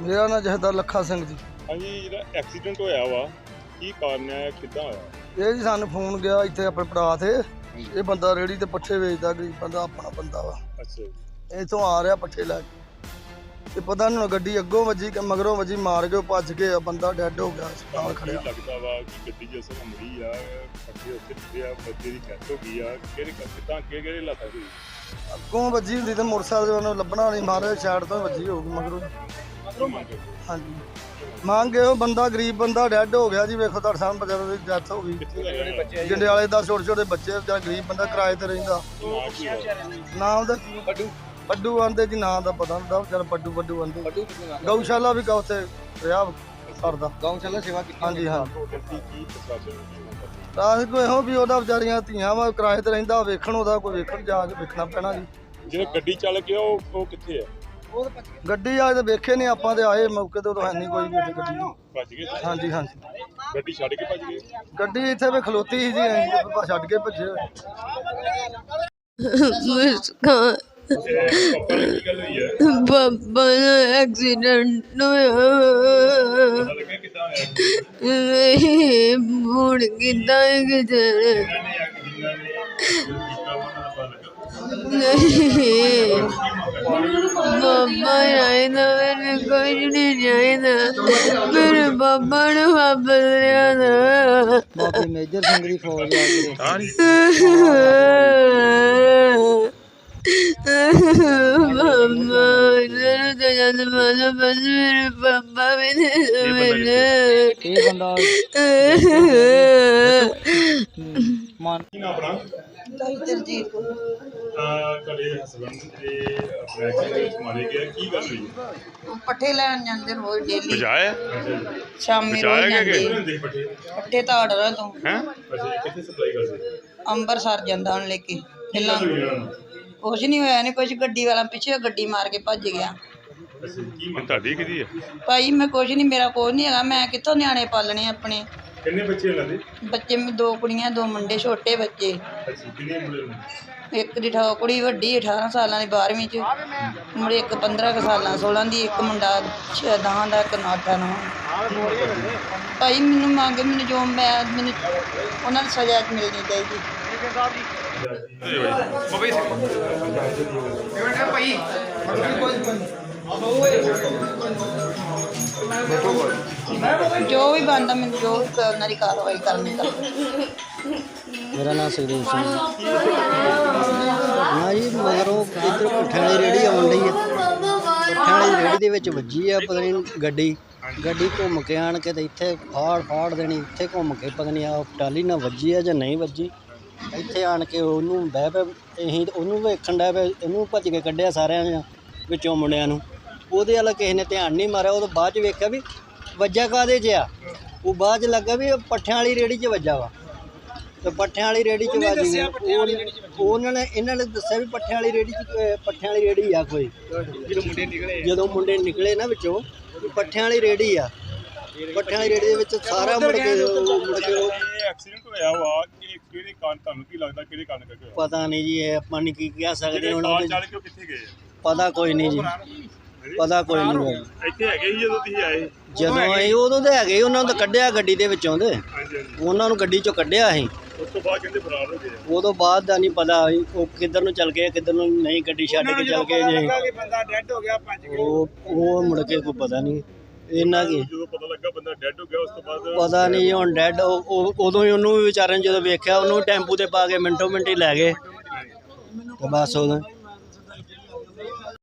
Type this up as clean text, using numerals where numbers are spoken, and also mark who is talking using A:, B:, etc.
A: ਮੇਰਾ ਨਾਂ ਜਹਦਰ ਲੱਖਾ ਸਿੰਘ ਜੀ।
B: ਹਾਂਜੀ, ਜਿਹੜਾ ਐਕਸੀਡੈਂਟ ਹੋਇਆ ਵਾ ਕੀ ਕਾਰਨ ਹੈ, ਕਿੱਦਾਂ ਹੋਇਆ?
A: ਇਹ ਜੀ ਸਾਨੂੰ ਫੋਨ ਗਿਆ ਇੱਥੇ ਆਪਣੇ ਭਰਾ ਤੇ, ਇਹ ਬੰਦਾ ਰੇੜੀ ਤੇ ਪੱਠੇ ਵੇਚਦਾ, ਗਰੀਬ ਬੰਦਾ, ਆਪਣਾ ਬੰਦਾ ਵਾ।
B: ਅੱਛਾ ਜੀ।
A: ਇੱਥੋਂ ਆ ਰਿਹਾ ਪੱਠੇ ਲੈ ਕੇ ਤੇ ਪਤਾ ਨਹੀਂ ਗੱਡੀ ਅੱਗੋਂ ਵੱਜੀ ਕਿ ਮਗਰੋਂ ਵੱਜੀ, ਮਾਰ ਕੇ ਭੱਜ ਕੇ ਬੰਦਾ ਡੈਡ ਹੋ ਗਿਆ, ਹਸਪਤਾਲ ਖੜਿਆ।
B: ਲੱਗਦਾ ਵਾ ਕਿ ਗੱਡੀ ਜਿਸ ਤਰ੍ਹਾਂ ਮੁੜੀ ਆ, ਪੱਠੇ ਉੱਥੇ ਡਿੱਗੇ ਆ, ਬੰਦੇ ਦੀ ਡੈਥ ਹੋ ਗਈ ਆ, ਕਿੱਦਾਂ ਕਿਹੜੇ ਹਾਲਾਤਾਂ ਹੋਈ?
A: ਅੱਗੋਂ ਵੱਜੀ ਹੁੰਦੀ ਤੇ ਮੋਟਰਸਾਈਕਲ ਉਹਨੂੰ ਲੱਭਣਾ ਨਹੀਂ, ਮਾਰੇ ਸਾਈਡ ਤੋਂ ਵੱਜੀ ਹੋਊਗੀ ਮਗਰੋਂ। ਹਾਂਜੀ, ਮੰਗ ਇਹੋ, ਬੰਦਾ ਗਰੀਬ ਬੰਦਾ ਡੈਡ ਹੋ ਗਿਆ ਜੀ। ਵੇਖੋ ਤੁਹਾਡੇ ਸਾਹਮਣੇ ਬਚਾਰੇ ਦੀ ਡੈਥ ਹੋ ਗਈ। ਜੰਡਿਆਲੇ ਦਾ ਛੋਟੇ ਛੋਟੇ ਬੱਚੇ, ਵਿਚਾਰਾ ਗਰੀਬ ਬੰਦਾ ਕਿਰਾਏ ਤੇ ਰਹਿੰਦਾ। ਨਾਮ ਦਾ ਪੱਡੂ ਆਂਦੇ ਜੀ, ਨਾਂ ਦਾ ਪਤਾ ਹੁੰਦਾ, ਵਿਚਾਰਾ ਪੱਡੂ ਆਂਦੇ। ਗਊਸ਼ਾਲਾ ਵੀ ਉੱਥੇ ਰਿਹਾ ਕਰਦਾ, ਗਊਸ਼ਾਲਾ ਸੇਵਾ ਕੀਤੀ। ਹਾਂਜੀ ਹਾਂ, ਰਾਤ ਕੋਈ ਇਹੋ ਵੀ ਉਹਦਾ ਵਿਚਾਰੀਆਂ ਧੀਆਂ ਵਾ, ਕਿਰਾਏ ਤੇ ਰਹਿੰਦਾ, ਵੇਖਣ ਉਹਦਾ ਕੋਈ ਵੇਖਣ ਜਾ ਕੇ ਵੇਖਣਾ ਪੈਣਾ ਜੀ।
B: ਜਿਹੜਾ ਗੱਡੀ ਚੱਲ ਗਿਆ ਉਹ ਕਿੱਥੇ ਆ?
A: ਗੱਡੀ ਆ ਤੇ ਵੇਖੇ ਨਹੀਂ ਆਪਾਂ, ਤੇ ਆਏ ਮੌਕੇ ਤੇ ਉਦੋਂ ਹੈ ਨਹੀਂ ਕੋਈ ਵੀ ਗੱਡੀ।
B: ਭੱਜ ਗਏ?
A: ਹਾਂਜੀ ਹਾਂਜੀ,
B: ਗੱਡੀ ਛੱਡ ਕੇ ਭੱਜ ਗਏ?
A: ਗੱਡੀ ਇੱਥੇ ਵੀ ਖਲੋਤੀ ਸੀ ਜੀ, ਅਸੀਂ ਛੱਡ ਕੇ ਭੱਜੇ।
B: ਪਾਪਾ ਨੇ ਕੀ ਗੱਲ ਹੋਈ ਹੈ?
C: ਪਾਪਾ ਦਾ ਐਕਸੀਡੈਂਟ ਹੋਇਆ।
B: ਪਤਾ ਲੱਗਿਆ ਕਿੱਦਾਂ ਹੋਇਆ?
C: ਹੁਣ ਕਿੱਦਾਂ ਕਿਤੇ ਨਹੀਂ, ਪਾਪਾ ਚਾਹੀਦਾ, ਮੈਨੂੰ ਕੁਝ ਨਹੀਂ ਚਾਹੀਦਾ, ਮੇਰੇ ਪਾਪਾ ਨੂੰ ਵਾਪਸ ਲਿਆਉਣਾ।
A: ਬਾਪੀ ਮੇਜਰ ਸਿੰਘ ਦੀ ਫੌਜ
C: ਪਾਪਾ ਇਹਨਾਂ ਤਾਂ ਜਦ ਮਾਲਾ ਬਸ ਮੇਰੇ ਪਾਪਾ ਵੀ ਨਹੀਂ
A: ਇਹ ਬੰਦਾ
B: ਕੀ ਨਾਮ ਆਪਣਾ?
D: ਤਰਜੀਤ
B: ਤੁਹਾਡੇ ਹਸਬੰਦ ਦੇ ਐਕਸੀਡੈਂਟ ਵਿੱਚ ਮਾਰੇ ਗਏ, ਕੀ ਗੱਲ ਹੋਈ?
D: ਪੱਠੇ ਲੈਣ ਜਾਂਦੇ ਰੋਜ਼ ਡੇਲੀ,
B: ਬਚਾਇਆ?
D: ਸ਼ਾਮੀ ਰੋਜ਼ ਜਾਂਦੇ
B: ਹੁੰਦੇ ਪੱਠੇ
D: ਪੱਠੇ ਤਾੜਰਾ ਤੋਂ।
B: ਹੈ ਅੱਛਾ, ਕਿੱਥੇ ਸਪਲਾਈ ਕਰਦੇ?
D: ਅੰਬਰਸਰ ਜਾਂਦਾ ਹੁਣ ਲੈ ਕੇ। ਪਹਿਲਾਂ ਕੁਛ ਨਹੀਂ ਹੋਇਆ, ਨਹੀਂ ਕੁਛ, ਗੱਡੀ ਵਾਲਾ ਪਿੱਛੇ ਗੱਡੀ ਮਾਰ ਕੇ ਭੱਜ ਗਿਆ।
B: ਕੀ ਤੁਹਾਡੀ ਕਿਹਦੀ ਹੈ?
D: ਭਾਈ ਮੈਂ ਕੁਛ ਨਹੀਂ, ਮੇਰਾ ਕੁਛ ਨਹੀਂ ਹੈਗਾ, ਮੈਂ ਕਿੱਥੋਂ ਨਿਆਣੇ ਪਾਲਣੇ ਆਪਣੇ?
B: ਕਿੰਨੇ ਬੱਚੇ ਇਹਨਾਂ ਦੇ?
D: ਬੱਚੇ ਦੋ ਕੁੜੀਆਂ ਦੋ ਮੁੰਡੇ, ਛੋਟੇ ਬੱਚੇ।
B: ਅੱਛਾ, ਕਿੰਨੇ ਮੁੰਡੇ ਨੇ?
D: ਇੱਕ ਦੀ ਕੁੜੀ ਵੱਡੀ 18 ਸਾਲਾਂ ਦੀ 12ਵੀਂ 'ਚ, ਮੁੰਡੇ ਇੱਕ 15 ਕੁ ਸਾਲਾਂ 16 ਦੀ, ਇੱਕ ਮੁੰਡਾ 10 ਦਾ, ਇੱਕ 8 9। ਭਾਈ ਮੈਨੂੰ ਮੰਗ, ਮੈਨੂੰ ਜੋ ਮੈਨੂੰ ਉਹਨਾਂ ਨੂੰ ਸਜ਼ਾ ਮਿਲਣੀ ਚਾਹੀਦੀ। ਜੋ ਵੀ ਬਣਦਾ, ਮੈਨੂੰ ਜੋ ਉਹਨਾਂ ਦੀ ਕਾਰਵਾਈ ਕਰਨੀ ਦਾ।
A: ਮੇਰਾ ਨਾਮ ਸੁਖਦੇਵ ਸਿੰਘ ਨਾ ਜੀ। ਮਗਰੋਂ ਇੱਧਰ ਪੱਠਿਆਂ ਵਾਲੀ ਰੇਹੜੀ ਆਉਣ ਡਈ ਹੈ, ਪੱਠਿਆਂ ਵਾਲੀ ਰੇਹੜੀ ਦੇ ਵਿੱਚ ਵੱਜੀ ਆ ਪਤਾ ਨਹੀਂ ਗੱਡੀ ਘੁੰਮ ਕੇ ਆਣ ਕੇ ਤੇ ਇੱਥੇ ਫਾੜ ਦੇਣੀ, ਇੱਥੇ ਘੁੰਮ ਕੇ ਪਤਾ ਨਹੀਂ ਆ ਟਾਲੀ ਨਾਲ ਵੱਜੀ ਆ ਜਾਂ ਨਹੀਂ ਵੱਜੀ। ਇੱਥੇ ਆਣ ਕੇ ਉਹਨੂੰ ਬਹਿ ਪਏ, ਅਸੀਂ ਉਹਨੂੰ ਵੇਖਣ ਡਿਆ ਪਏ, ਇਹਨੂੰ ਭੱਜ ਕੇ ਕੱਢਿਆ ਸਾਰਿਆਂ ਵਿੱਚੋਂ ਮੁੰਡਿਆਂ ਨੂੰ। ਉਹਦੇ ਵੱਲ ਕਿਸੇ ਨੇ ਧਿਆਨ ਨਹੀਂ ਮਾਰਿਆ। ਉਹ ਤੋਂ ਬਾਅਦ 'ਚ ਵੇਖਿਆ ਵੀ ਵੱਜਾ ਕਾਹਦੇ 'ਚ ਆ, ਉਹ ਬਾਅਦ 'ਚ ਲੱਗਾ ਵੀ ਪੱਠਿਆਂ ਵਾਲੀ ਰੇਹੜੀ 'ਚ ਵੱਜਾ ਵਾ, ਤੇ ਪੱਠਿਆਂ ਵਾਲੀ ਰੇਹੜੀ 'ਚ ਵੱਜ ਗਈ। ਇਹਨਾਂ ਨੇ ਦੱਸਿਆ ਵੀ ਪੱਠਿਆਂ ਵਾਲੀ ਰੇਹੜੀ ਆ ਕੋਈ। ਜਦੋਂ ਮੁੰਡੇ ਨਿਕਲੇ ਨਾ ਵਿੱਚੋਂ, ਪੱਠਿਆਂ ਵਾਲੀ ਰੇਹੜੀ ਆ, ਪੱਠਿਆਂ ਵਾਲੀ ਰੇਹੜੀ ਦੇ ਵਿੱਚ ਸਾਰਾ ਮੁੜ ਕੇ
B: ਐਕਸੀਡੈਂਟ ਹੋਇਆ ਵਾ, ਕਿਹੜੇ ਕਾਰਨ, ਤੁਹਾਨੂੰ ਕੀ ਲੱਗਦਾ ਕਿਹੜੇ ਕਾਰਨ ਕਰਕੇ ਹੋਇਆ?
A: ਪਤਾ ਨਹੀਂ ਜੀ, ਇਹ ਆਪਾਂ ਨਹੀਂ ਕੀ ਕਹਿ ਸਕਦੇ ਹੁਣ।
B: ਚੱਲ ਕੇ ਕਿੱਥੇ ਗਏ?
A: ਪਤਾ ਕੋਈ ਨਹੀਂ ਜੀ, ਪਤਾ ਕੋਈ ਨਹੀਂ।
B: ਇੱਥੇ ਹੈਗੇ ਸੀ ਜਦੋਂ ਤੁਸੀਂ ਆਏ?
A: ਜਦੋਂ ਆਏ ਉਦੋਂ ਤਾਂ ਹੈਗੇ, ਉਹਨਾਂ ਨੂੰ ਤਾਂ ਕੱਢਿਆ ਗੱਡੀ ਦੇ ਵਿੱਚੋਂ, ਤੇ ਉਹਨਾਂ ਨੂੰ ਗੱਡੀ 'ਚੋਂ ਕੱਢਿਆ ਅਸੀਂ।
B: ਉਸ ਤੋਂ ਬਾਅਦ ਕਹਿੰਦੇ ਫਰਾਰ ਹੋ ਗਏ।
A: ਉਦੋਂ ਬਾਅਦ ਦਾ ਨਹੀਂ ਪਤਾ ਉਹ ਕਿੱਧਰ ਨੂੰ ਚੱਲ ਗਏ, ਕਿੱਧਰ ਨੂੰ ਨਹੀਂ, ਗੱਡੀ ਛੱਡ ਕੇ ਚੱਲ ਗਏ ਜੀ।
B: ਬੰਦਾ ਡੈਡ ਹੋ ਗਿਆ, ਭੱਜ ਗਏ।
A: ਉਹ ਮੁੜ ਕੇ ਕੋਈ ਪਤਾ ਨਹੀਂ ਇਹਨਾਂ ਕੀ।
B: ਜਦੋਂ ਪਤਾ ਲੱਗਾ ਬੰਦਾ ਡੈਡ ਹੋ ਗਿਆ, ਉਸ ਤੋਂ ਬਾਅਦ
A: ਪਤਾ ਨਹੀਂ ਹੁਣ ਡੈਡ। ਉਦੋਂ ਹੀ ਉਹਨੂੰ ਵੀ ਵਿਚਾਰੇ ਨੇ ਜਦੋਂ ਵੇਖਿਆ, ਉਹਨੂੰ ਟੈਂਪੂ ਤੇ ਪਾ ਕੇ ਮਿੰਟੋ ਮਿੰਟ ਹੀ ਲੈ ਗਏ, ਤੇ ਬਸ ਉਦੋਂ